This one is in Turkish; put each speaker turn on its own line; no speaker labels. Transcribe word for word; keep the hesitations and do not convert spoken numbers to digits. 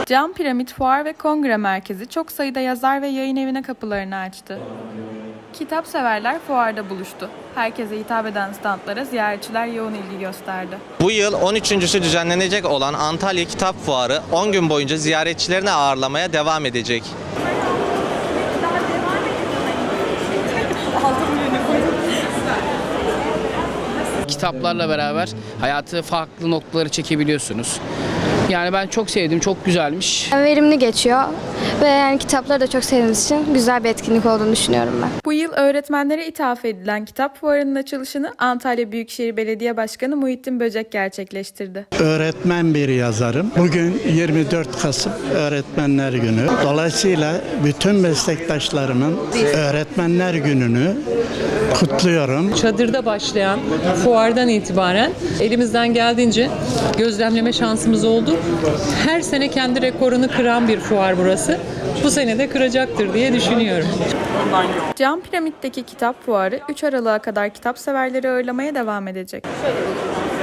Cam Piramit Fuar ve Kongre Merkezi çok sayıda yazar ve yayın evine kapılarını açtı. Kitap severler fuarda buluştu. Herkese hitap eden standlara ziyaretçiler yoğun ilgi gösterdi.
Bu yıl on üçüncüsü düzenlenecek olan Antalya Kitap Fuarı on gün boyunca ziyaretçilerini ağırlamaya devam edecek.
Kitaplarla beraber hayatı farklı noktaları çekebiliyorsunuz. Yani ben çok sevdim, çok güzelmiş.
Verimli geçiyor ve yani kitapları da çok sevdiğimiz için güzel bir etkinlik olduğunu düşünüyorum ben.
Bu yıl öğretmenlere ithaf edilen kitap fuarının açılışını Antalya Büyükşehir Belediye Başkanı Muhittin Böcek gerçekleştirdi.
Öğretmen bir yazarım. Bugün yirmi dört Kasım Öğretmenler Günü. Dolayısıyla bütün meslektaşlarımın Öğretmenler Günü'nü kutluyorum.
Çadırda başlayan fuardan itibaren elimizden geldiğince gözlemleme şansımız oldu. Her sene kendi rekorunu kıran bir fuar burası. Bu sene de kıracaktır diye düşünüyorum.
Cam Piramit'teki kitap fuarı üç Aralık'a kadar kitap severleri ağırlamaya devam edecek.